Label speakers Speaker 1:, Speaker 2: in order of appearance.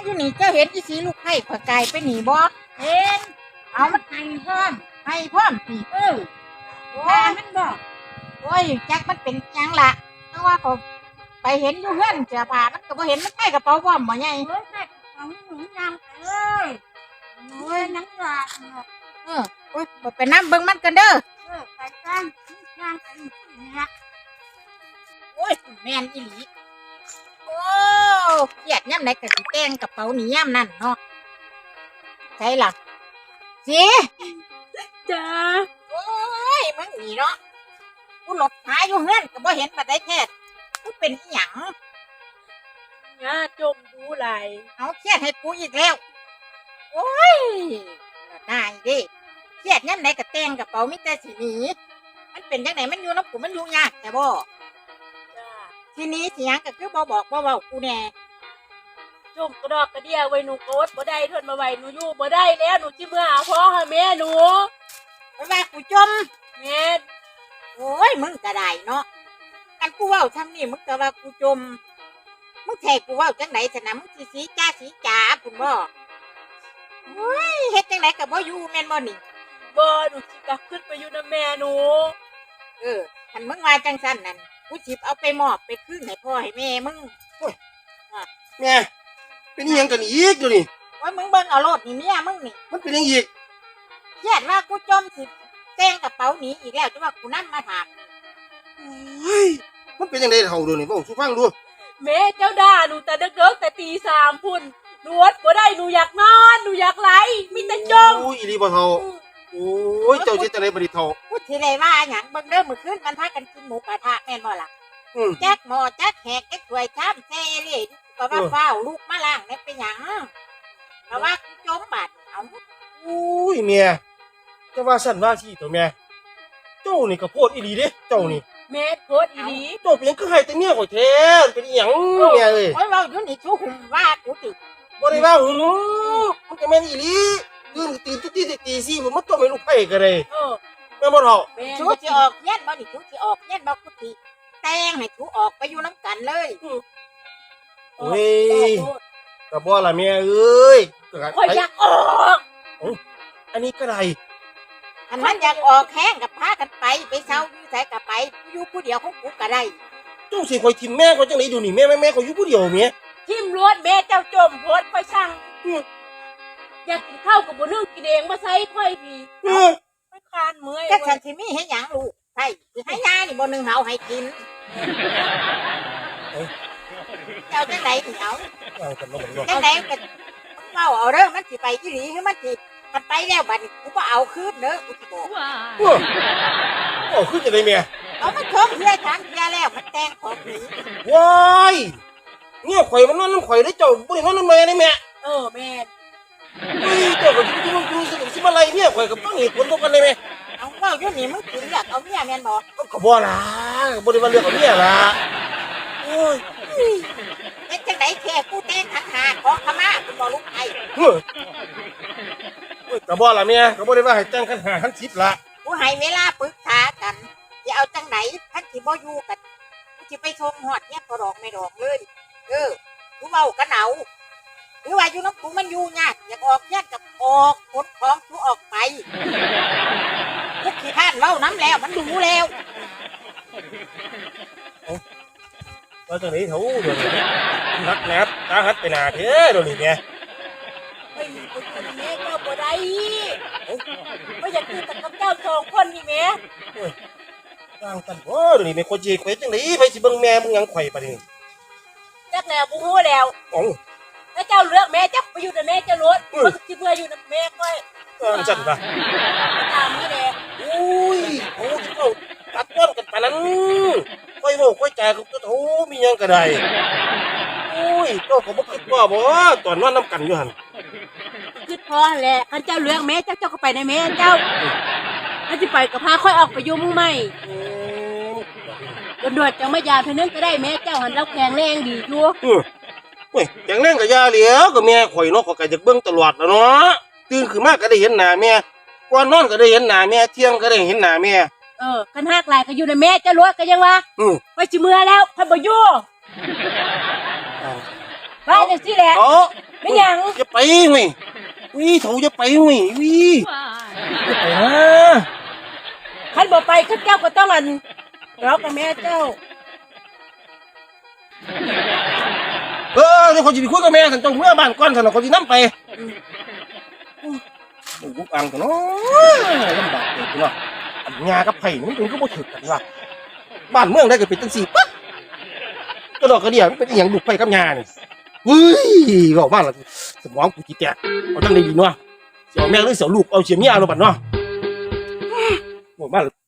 Speaker 1: อยู่นี่เจ้าเห็นอีสีลูกไผ่ข่อยไก่ไปหนีบ่เห็นเอามันให้พร้อมสิโอ้ยมันบ่โอ้ยจักมันเป็นจังล่ะเพราะว่าเขาไปเห็นอยู่เฮือนเสื้อผ้ามันก็บ่เห็นมันใส่กระเป๋าพร้อมบ่ใหญ่เฮ้ยใส่กระเป๋าหนูยางเอ้ยโอ้ยนังว่าโอ้ยบ่ไปนำเบิ่งมันกันเด้อไปกันยางกันนี่ล่ะโอ้ยแม่นอีหลีโอ้เครียดยามไหนก็สิแต่งกระเป๋านี่ยามนั้นเนาะใช่ล่ะสิ
Speaker 2: จ้า
Speaker 1: โอ้ยมึงนี่เนาะกูหลบหาอยู่เฮือนก็บ่เห็นปานใดแท้กูเป็นอีหยัง
Speaker 2: ย่าจมดูไหล
Speaker 1: เอาเครียดให้กูอีกแล้วโอ้ยได้ดิเครียดยามไหนก็แต่งกระเป๋ามีแต่สิหนีมันเป็นจังไดมันอยู่นำกูมันอยู่ยากแต่บ่
Speaker 2: จ้า
Speaker 1: ทีนี้สิหยังก็คือบ่บอกบ่เว้ากูแน่
Speaker 2: จมกระดอกกระเดียไว้หนูโกดบ่ได้ทนมาไว้หนูอยู่บ่ได้แล้วหนูสิเมื่อหาพ่อหาแม่หนู
Speaker 1: เพราะว่ากูจม
Speaker 2: แม่
Speaker 1: โอ้ยมึงก็ได้เนาะกันกูเว้าทำนี่มึงก็ว่ากูจมมึงแท้กูเว้าจังได๋ซะนะมึงสิสีจ๋าพุ่นบ่โอ้ยเฮ็ดจังไดก็บ่อยู่แม่นบ่นี่
Speaker 2: บ่หนูสิกลับขึ้นไปอยู่นำแม่หนู
Speaker 1: คันมึงว่าจังซั่นนั่นกูสิเอาไปมอบไปคืนให้พ่อให้แม่มึงโอ้ย
Speaker 3: แม่เป็นอีหยังกันอีกอยู่นี่
Speaker 1: โอ้ยมึงเบิ่งเอาโลดนี่เมียมึงนี่
Speaker 3: มันเป็นอีหยังอีก
Speaker 1: เครียดว่ากูจมสิแต่งกระเป๋าหนีอีกแล้วจะว่ากูนำมาถาม
Speaker 3: เฮ้ยมันเป็นจังได๋เฒ่าดูนี่เว้าสู่ฟังดู
Speaker 2: แม่เจ้าด่าหนูแต่เด็กๆแต่ตี3พุ่นหนูอดบ่ได้หนูอยากนอนหนูอยากไหลมีแต่จม
Speaker 3: โอ้ยอีหลีบ่เฒ่าโอ้ยเจ้าสิจังได๋บ่ดิเฒ่า
Speaker 1: พูดทีไรว่าหยังเบิ่งเด้อมื้อคืนมันพากันกินหมูกระทะแม่นบ่ล่ะแจ๊กหม้อแจ๊กแหกแจ๊กถ้วยชามแซ่เลยก็ว่าฟ้าวลูกมาล้างได้เป็นหยังเพราะว่ากูจมบาดเอา
Speaker 3: โอ้ยแม่จะว่าซั่นว่าซี่ตัวแม่เจ้านี่ก็โพดอีหลีเด้เจ้านี่
Speaker 2: แม่โพดอีหลี
Speaker 3: เจ้าเป็นหยังคือให้แต่เมียข่อยแท้เป็นอีหยังแม่เอ้ย
Speaker 1: โอ้ยเว้าอยู่นี่ชูหุ่มว่ากูติ
Speaker 3: บ่ได้ว่าหูมันก็แม่นอีหลีตื่นทุกทีตี4มันต้มให้ลูกไผก็ได้แม่บ่เฒ่า
Speaker 1: ชูสิออกเฮียนบ่นี่ชูสิออกเฮียนบ่กูติแต่งให้ชูออกไปอยู่นำกันเลย
Speaker 3: โอ้ยก็บ่ล่ะแม่เอ้ย
Speaker 2: ข่อยอยากออก
Speaker 3: อันนี้ก็ได้
Speaker 1: อันมันอยากออกแห้งกับพากันไปเซาอยู่ไสก็ไปอยู่ผู้เดียวของกูก็ได้
Speaker 3: เจ้าสิข่อยทิ่มแม่ข่อยจังได๋อยู่นี่แม่ข่อยอยู่ผู้เดียวแม่
Speaker 2: ทิ่มรวดแม่เจ้าจมโพดข่อยสั่งอยากกินข้าวก็บ่นึกกินเองมาใส่ข่อยพี่ข่อยคานเมื่อย
Speaker 1: ก็ฉันสิมีให้หยังลูกใช่สิให้ยานี่บ่นึงเฮาให้กินเจ้าจังได๋สิเอาจังได๋ก็เว้าเอาเด้อมันสิไปอีหลีคือมันสิมันไปแล้วบัดนี้กูบ่เอาคืนเด้อกูสิบอก
Speaker 3: คือจะได้แม่
Speaker 1: เอามันชมเฮียถามเฮียแล้วมันแต่งของหนี
Speaker 3: ว้ายเนี่ยข่อยมันนอนน้ำข่อยได้เจ้าบ่ได้นอนน้ำแม่นี่แม่
Speaker 2: แม่
Speaker 3: เจ้าก็สิมาไล่เนี่ยข่อยก็ต้องเหตุผลตรงกันเลยแม่
Speaker 1: เอาเว้าอยู่นี่มึงสิเลือกเอาเมียแม่นบ่
Speaker 3: ก็บ่ล่ะบ่ได้ว่าเลือกเอาเมียล่ะโอ้ย
Speaker 1: เฮ็ดจังได๋แค่กูแต่งขันหาขอขมากูบ่ลุกไป
Speaker 3: ก็บ่ล่ะแม่ก็บ่ได้ว่าให้แต่งขัน5ขัน10ล่ะ
Speaker 1: กูให้เวลาปรึกษากันสิเอาจังได๋คันสิบ่อยู่กันกูสิไปส่งฮอดเนี่ยบ่ดอกไม่ดอกเลยกูเว้ากันเอาหรือว่าอยู่นำกูมันอยู่ยากอยากออกเฮียนก็ออกขนของกูออกไปกูขี้คร้านเว้านำแล้วมันดูแล้ว
Speaker 3: ว่าจังได๋เฒ่าเดี๋ยวนี้นักแนบตาหัดไปหน้าเด้อเดี๋ยวนี้แม่
Speaker 2: เฮ้ยกูกินแม่เจ้าบ่ได้บ่อยากกินแต่กับเจ้า2คนนี่แม่
Speaker 3: ต่างกันบ่เดี๋ยวนี้แม่ข่อยสิข่อยจังได๋ไผสิเบิ่งแม่มึงหยังข่อยบัดนี้
Speaker 2: จักแล้วบ่ฮู้แล้วถ้าเจ้าเลือกแม่จักไปอยู่แต่แม่จะรถบ่สิเบื่ออยู่นำแม่ค่อย
Speaker 3: จังว่า
Speaker 2: ตามมื้อแล
Speaker 3: อุ้ยโอ้สิเว้าตัดต้นกันปานนั้นค่อยเว้าค่อยจากับเจ้าโธ่มีหยังก็ได้อุ้ยเจ้าก็บ่คิดว่าบ่ตอนนอนนำกันอยู่หั่น
Speaker 2: คิดพอแหละคันเจ้าเลือกแม่เจ้าก็ไปในแม่เจ้าถ้าสิไปก็พาค่อยออกไปอยู่หมู่ใหม่ด่วนๆจังมายามเพิ่นนึงก็ได้แม่เจ้าหั่นเราแข็งแรงดีอยู่
Speaker 3: เฮ้ยแข็งแรงก็อย่าแล้วก็แม่ข่อยเนาะก็อยากเบิ่งตลอดแล้วเนาะตื่นขึ้นมาก็ได้เห็นหน้าแม่ก่อนนอนก็ได้เห็นหน้าแม่เที่ยงก็ได้เห็นหน้าแม่
Speaker 2: คันฮักหลายก็อยู่ในแม่จะรถก็ยังว่าไปสิเมื่อแล้วเพิ่นบ่อยู่ว่าจังซี่แหละแม่ไม่หยัง
Speaker 3: อย่าไปเว้ยวิเถาอย่าไปเว้ยวิอย่าไปนะ
Speaker 2: คันบ่ไปข้าเจ้าก็ต้องอันเรากับแม่เจ้า
Speaker 3: เดี๋ยวเขาจะไปคุยกับแม่สันเจ้าเมื่อบ้านก่อนสันเขาจะนั่ไปโอ้โหอังกันเนาะลำบากเลยเนาะอันงากับไผ่มันเป็นก็บ่ถึกกันว่ะบ้านเมืองได้ก็เป็นจังสี่ปั๊บกระดอกกระเดี่ยมันเป็นอหย่างลูกไผ่กับงานี่เฮ้ยบอกบ้านละสมองกูจีแตกเอาตั้งได้ดีเนาะเสี่ยวแม่หรือเสี่ยวลูกเอาเสี่ยวเมียเอาบัดเนาะบอกบ้าน